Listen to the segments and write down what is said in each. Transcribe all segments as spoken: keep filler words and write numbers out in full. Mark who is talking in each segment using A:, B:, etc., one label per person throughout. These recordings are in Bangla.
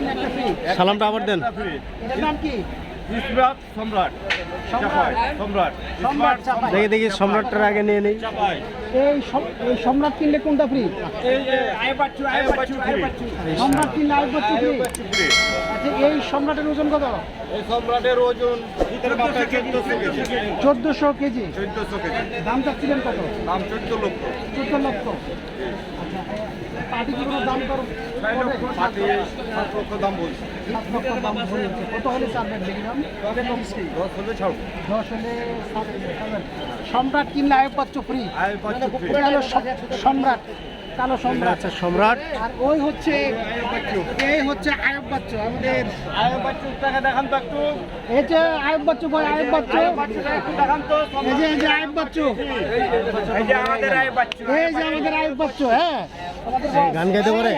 A: সালামটা আবার দেন।
B: এটার নাম কি?
C: সম্রাট সম্রাট
B: সম্রাট।
C: সম্রাট
B: সম্রাট চাপাই।
A: দেখি দেখি সম্রাটটার আগে নিয়ে নেই।
C: চাপাই
B: এই সম- এই সম্রাট কিনলে কোনটা ফ্রি?
C: এই যে আয় বাচ্চু আয় বাচ্চু আয় বাচ্চু
B: সম্রাট কিনলে আরেক বাচ্চা ফ্রি।
C: বাচ্চু ফ্রি।
B: আচ্ছা, এই সম্রাটের ওজন কত?
C: এই সম্রাটের ওজন ভিতরে মাথায় চোদ্দশো কেজি
B: চোদ্দশো কেজি।
C: চোদ্দশো কেজি
B: দাম চাচ্ছিলেন কত?
C: দাম চোদ্দ লক্ষ
B: চোদ্দ লক্ষ। আচ্ছা, পাটি কি কোনো দাম দর
C: ছয়
B: করে?
C: লক্ষ পাতি সাত লক্ষ দাম বলছি
B: সাত লক্ষ দাম বলেছে। কত হলে ছাড়বেন দেখি দাম?
C: দশ হলে ছাড়ব
B: দশ হলে ছাড়বেন। সম্রাট কিনলে আয়ুব বাচ্চু ফ্রি।
C: আয় বাচ্চু ফ্রি
B: এটা হলো সম- সম্রাট, কালো সম্রাট।
A: আচ্ছা সম্রাট।
B: আর ওই হচ্ছে এই হচ্ছে আয়ুব বাচ্চু আমাদের।
C: আয় বাচ্চুর টাকা দেখান তো একটু
B: এই যে আয়ুব বাচ্চু ভাই, আয়ুব বাচ্চু।
C: বাচ্চুটা একটু দেখান তো
B: এই যে এই যে আয়ুব বাচ্চু,
C: এই যে আমাদের আয় বাচ্চু
B: এই যে আমাদের আয়ুব বাচ্চু। হ্যাঁ,
A: গান গাইতে পারে?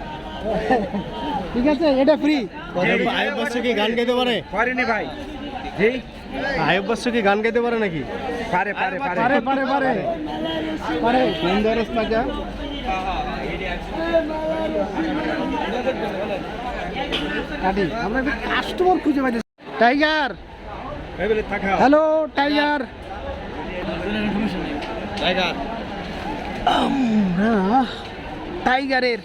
B: ঠিক আছে, এটা ফ্রি।
A: আয়ুব বাচ্চু কি গান গাইতে পারে?
C: পারেনি ভাই জি
A: আয়ুব বাচ্চু কি গান গাইতে পারে নাকি?
C: পারে পারে
B: পারে পারে পারে পারে।
C: সুন্দর স্নাজা
B: কাটি আমরা একটা কাস্টমার খুঁজে পাইছি। টাইগার,
C: এবারে থাকা
B: হ্যালো টাইগার।
C: টাইগার
B: আমরা টাইগারের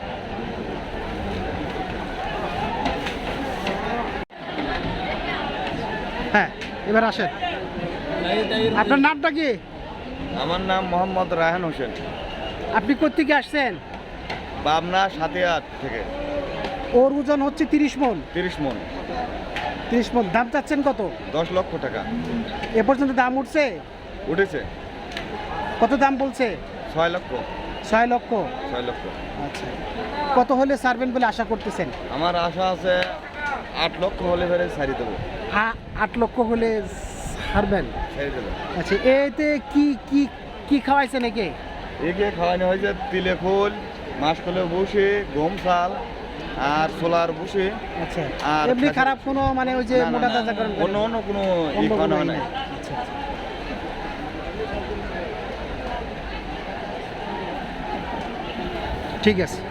B: হ্যাঁ, এবার আসেন। আপনার নামটা কি?
C: আমার নাম মোহাম্মদ রায়হান হোসেন
B: আপনি কোত্থেকে আসছেন?
C: পাবনা সাতিয়াট থেকে
B: ওর ওজন হচ্ছে তিরিশ মন।
C: তিরিশ মন
B: তিরিশ মন। দাম চাচ্ছেন কত?
C: দশ লক্ষ টাকা
B: এ পর্যন্ত দাম উঠছে?
C: উঠেছে
B: কত দাম বলছে?
C: ছয় লক্ষ
B: ছয় লক্ষ।
C: ছয় লক্ষ
B: আচ্ছা, কত হলে ছাড়বেন বলে আশা করতেছেন?
C: আমার আশা আছে আট লক্ষ হলে ফেরে ছাড়ি দেবো
B: আ- আট লক্ষ হলে ছাড়বেন।
C: ছেড়ে দেবো
B: আচ্ছা, এতে কি কি কি খাওয়াইছেন একে?
C: একে খাওয়ানো হয়েছে তিলে ফুল মাসকলে বসে গম চাল আর সোলার বসে
B: আচ্ছা,
C: আর
B: এমনি
C: খাসি-
B: খারাপ কোনো মানে ওই যে
C: না, না,
B: মোটা
C: না,
B: তাজা করেন
C: অন্য অন্য কোনো ই
B: অন্য
C: খাওয়ানো
B: কোনো
C: হয়
B: ই
C: নাই
B: নাই। আচ্ছা, আচ্ছা। ঠিক আছে।